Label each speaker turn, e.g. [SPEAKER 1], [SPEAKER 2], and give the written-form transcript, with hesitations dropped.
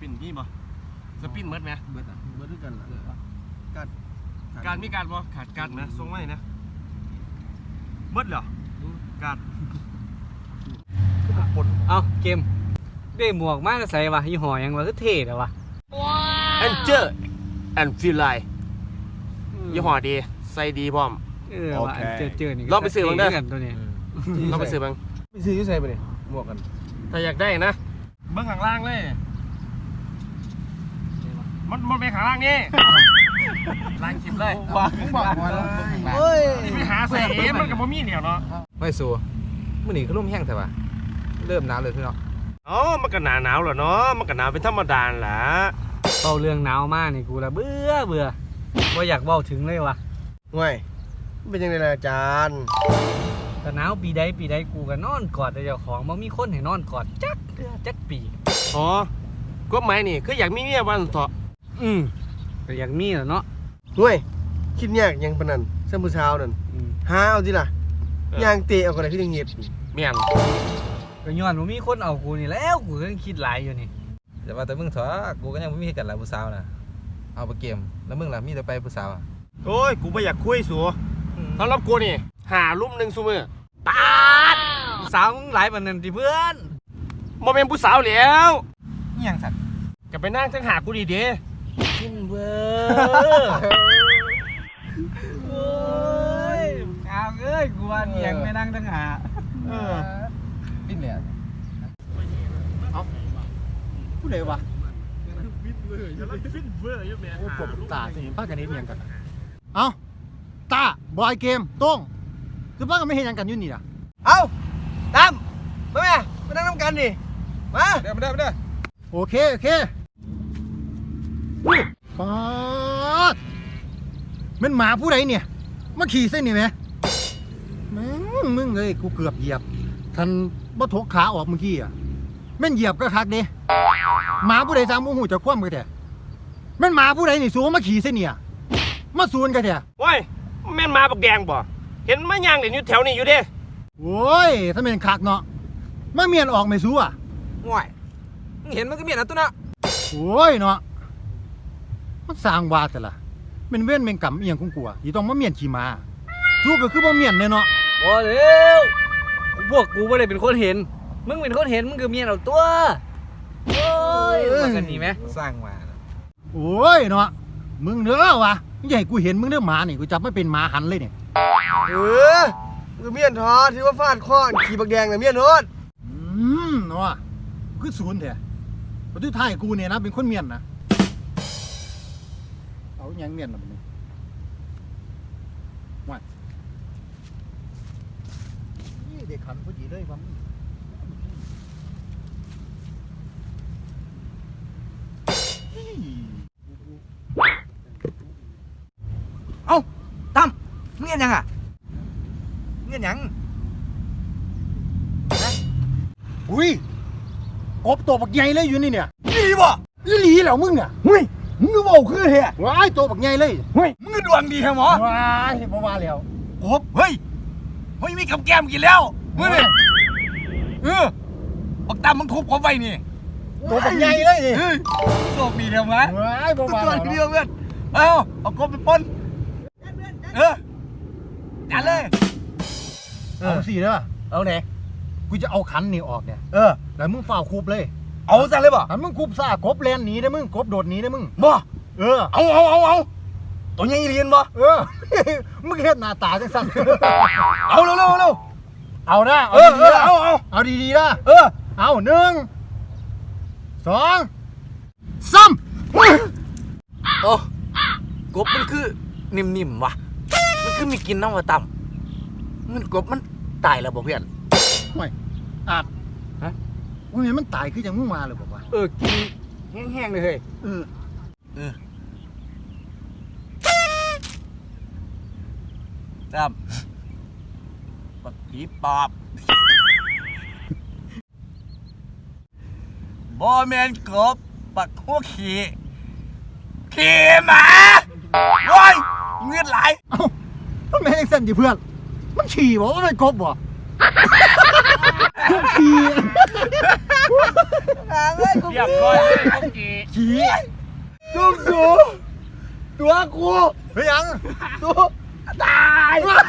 [SPEAKER 1] ปินนี่บ่สปินเมิดไหม
[SPEAKER 2] เบิดด้วยกันล่ะ
[SPEAKER 1] การมีการบ่ขาดการนะทรงไว้นะเมิดเหรอการ
[SPEAKER 3] เอาเกมได้หมวกมากใส่วะยี่ห้อยังวะคือเท่เลยวะ
[SPEAKER 1] แอนเจอร์แอนฟิลไลยี่ห้อดีใส่ดีพร้อม
[SPEAKER 3] ว่าเจอนี่
[SPEAKER 1] ลองไปซื้อบ้างได้
[SPEAKER 3] ตัวนี้
[SPEAKER 1] ลองไปซื้อบ้าง
[SPEAKER 2] ไปซื้อที่ใส่ไปดิหมวกกัน
[SPEAKER 1] ถ้าอยากได้นะเบื้องข้างล่างเลยมันไปข้างล่างนี่ล่างคลิปเลย
[SPEAKER 2] บอกมาเลย
[SPEAKER 1] ไปหาใส่มันกับบ่มีเหนียวเนาะ
[SPEAKER 2] ไม่สู้มื้อนี้ก็ร่มแห้งแต่ว่าเริ่มหนาวเลยพี่น้อง
[SPEAKER 1] อ๋อมันก็หนาวเหรอเนาะมันก็หนาวเป็นธรรมดาแหละ
[SPEAKER 3] เบาเรื่องหนาวมากนี่กูละเบื่อว่าอยากเบาถึงเลยวะ
[SPEAKER 1] ง่ายเป็นยังไงล่ะอาจารย์
[SPEAKER 3] แต่หนาวปีใดกูก็นอนกอดแต่เจ้าของบ่มีคนให้นอนกอดจักปี
[SPEAKER 1] อ๋อก็หมายนี่คืออยากมีเมียวันเถาะ
[SPEAKER 3] ก็อยากมีแหละเนาะ
[SPEAKER 1] ง่ายคิดยากยังปานนั้นซ้ำผู้เช้านั่นหาเอาสิล่ะย่างเตะเอาก็ได้คือจังเฮ็ดแม่น
[SPEAKER 3] ก็ย้อนบ่มีคนเอากูนี่แล้วกูก็คิดหลายอยู่นี่
[SPEAKER 2] แต่ว่าแต่มึงเถอะกูก็ยังไม่มีกันหลายผู้สาวนะเอาไปเกมแล้วมึงล่ะมีแต่ไปผู้สาว
[SPEAKER 1] โอ้ยกูไม่อยากคุยสัวสำหรับกูนี่หาลุ่มหนึ่งซูมือปาด
[SPEAKER 3] ผู้สาวมึงหลายปานนั้นดิเพื่อน
[SPEAKER 1] บ่เป็นผู้สาวแล้ว
[SPEAKER 2] นี่ยังสัตว์
[SPEAKER 1] จะไปนั่งทั้งหากูดีเด้
[SPEAKER 3] กินเบอโอ้ยเอาเอ้ยกูว่านี่ยังไม่นั่งทั้งหา
[SPEAKER 2] ปิ้นเลยเอาผู้ใดวะ
[SPEAKER 4] โอ้ปวดตาสิพากันนี้เพียงกันเอาตาบอยเกมต้งคือพากันไม่เห็นยังกันอยู่นี่ล่ะ
[SPEAKER 1] เอาตามมาแม่มานั่งน้ำกันดิมา
[SPEAKER 2] ได้
[SPEAKER 4] โอเคปาดมันหมาผู้ใดเนี่ยมาขี่เส้นนี่ไหมมึงเลยกูเกือบเหยียบทันบ่ทกขาออกเมื่อกี้อ่ะแม่นเหยียบก็คักดิหมาผู้ใดสามโมหูจะคว่ำกันแท้แม่นหมาผู้ใดนี่สูงมาขี่เส้นเนี่ยมาสูนกันแท้
[SPEAKER 1] ว้ายแม่นหมาบักแดงบ่เห็นมาย่างเด่นอยู่แถวนี้อยู่เด้
[SPEAKER 4] โอ้ยถ้าเป็นคักเนาะมาเมียนออกไม่สู้อ่ะ
[SPEAKER 2] ง่ายมึงเห็นมันก็เมียนนะตัวน่ะ
[SPEAKER 4] โอ้ยเนาะมันสร้างวาดแต่ละเป็นเว้นเป็นกรรมเอียงของกูอ่ะที่ต้องมาเมียนขี่ม้าสู้ก็คือบ่เมียนเนี่ยเนาะ
[SPEAKER 3] บ่เร็วพวกกูไม่ได้เป็นคนเห็นมึงเป็นคนเห็นมึงคือเมียเอาตัวโอ้ยมากันดีไหม
[SPEAKER 2] สร้างมา
[SPEAKER 4] โอ้ยเนาะมึงเด้อวะใหญ่กูเห็นมึงเด้อหมานี่กูจับไม่เป็นหมาหันเลยเนี่ย
[SPEAKER 1] คือเมียนทอที่ว่าฟาดข้อขี่บักแดงน่ะเมียนโนด
[SPEAKER 4] เนาะคือศูนย์แท้ประตูท้ายกูเนี่ยนะเป็นคนเมียนนะเอาอย่างเมียนมาเป็นว่านี่เด็กขันพอดีเลยว่า
[SPEAKER 2] เอ้าตั้มมึงเงี้ยยังอ่ะเงี้ยยัง
[SPEAKER 4] อุ้ยกบตัวบักใหญ่เลยอยู่นี่เนี่ย
[SPEAKER 2] อีหลีบ่
[SPEAKER 4] อีหลีแล้วมึงอ่ะ
[SPEAKER 2] เฮ้ยมึงก็บอกคือเฮ้ย
[SPEAKER 4] ว้ายตัวบักใหญ่เลย
[SPEAKER 2] เฮ้ยมึงก็ดวงดีแฮะหมอ
[SPEAKER 4] ว้ายบ่ว่าแล้ว
[SPEAKER 2] กบเฮ้ยมีกับแก้มกินแล้วมึงนี่บักตั้มมึงทุบกบไว้นี่
[SPEAKER 4] ตัวบักใหญ่เลย
[SPEAKER 2] โชคดีเดียวมั้ย
[SPEAKER 4] ว้ายบ่ว่าแล้ว
[SPEAKER 2] เดียวเพื่อนเอากบไปปนจัดเลย
[SPEAKER 4] เอาสิเด้อเอาไหนกูจะเอาขันนี่ออกเนี่ยแล้วมึงฝ่าคูบเลย
[SPEAKER 2] เอาซะเลยบ่
[SPEAKER 4] ถ้ามึงคูบซ่ากบแลนหนีได้มึงกบโดดหนีได้มึง
[SPEAKER 2] บ่
[SPEAKER 4] เอา
[SPEAKER 2] ตัวใหญ่เรียนบ่
[SPEAKER 4] มึงเฮ็ดหน้าตาจังซั่น
[SPEAKER 2] เอาเร็ว
[SPEAKER 4] เอานะเอาดีๆนะเอา1 2 3
[SPEAKER 2] โอ้กบมันคือนิ่มๆว่ะมันคือมีกินน้ำว่าต่ำมันกบมันตายแล้วบ่เพื่อน
[SPEAKER 4] ไม่อาจว่าไงมันตายคือจังมึงมาเลยบอกว่า
[SPEAKER 3] กินแห้งๆเลยเฮ้ย
[SPEAKER 2] ต่ำบักผีปอบบ่แม่นกบบักหัวขี้หมาโว้ยเงือดไหล
[SPEAKER 4] มันไม่ได้เส้นดิเพื่อนมันฉี่บอกว่ามันกบบ่ขี้
[SPEAKER 3] เรียบร้อยเลยพวกจี
[SPEAKER 4] ขี่
[SPEAKER 1] สูงตัวกู
[SPEAKER 4] เฮ้ยยัง
[SPEAKER 1] ตัวตาย